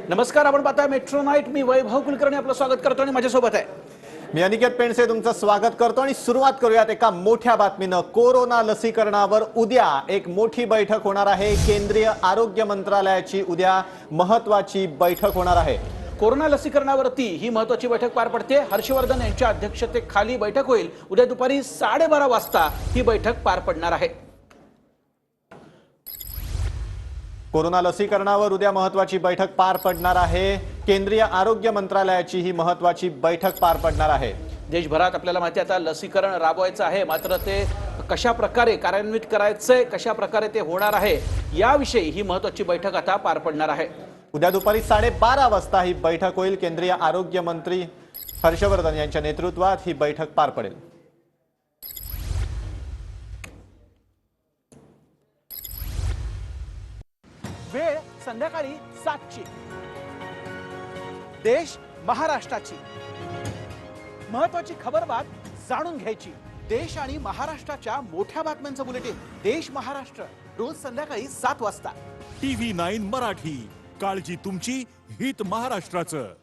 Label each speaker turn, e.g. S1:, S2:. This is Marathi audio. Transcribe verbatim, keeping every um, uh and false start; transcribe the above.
S1: नमस्कार, आपण पाहताय मेट्रो नाईट। मी वैभव कुलकर्णी आपलं स्वागत करतो आणि माझ्यासोबत आहे
S2: मी अनिकेत पेंडसे तुमचं स्वागत करतो आणि सुरुवात करूयात एका मोठ्या बातमीनं। कोरोना लसीकरणावर उद्या एक मोठी बैठक होणार आहे। केंद्रीय आरोग्य मंत्रालयाची उद्या महत्त्वाची बैठक होणार आहे।
S1: कोरोना लसीकरणावरती ही महत्त्वाची बैठक पार पडते। हर्षवर्धन यांच्या अध्यक्षतेखाली बैठक होईल। उद्या दुपारी साडेबारा वाजता ही बैठक पार पडणार आहे।
S2: कोरोना लसीकरणावर उद्या महत्त्वाची बैठक पार पडणार आहे। केंद्रीय आरोग्य मंत्रालयाची ही महत्त्वाची बैठक पार पडणार आहे।
S1: देशभरात आपल्याला माहिती आहे आता लसीकरण राबवायचं आहे, मात्र ते कशा प्रकारे कार्यान्वित करायचंय, कशा प्रकारे ते होणार आहे याविषयी ही महत्त्वाची बैठक आता पार पडणार आहे।
S2: उद्या दुपारी साडेबारा वाजता ही बैठक होईल। केंद्रीय आरोग्य मंत्री हर्षवर्धन यांच्या नेतृत्वात ही बैठक पार पडेल।
S1: वेळ संध्याकाळी सातची। देश महाराष्ट्राची महत्त्वाची खबरबात जाणून घ्यायची। देश आणि महाराष्ट्राच्या मोठ्या बातम्यांचं बुलेटिन देश महाराष्ट्र रोज संध्याकाळी सात वाजता।
S3: टीव्ही नाईन मराठी, काळजी तुमची, हित महाराष्ट्राचं।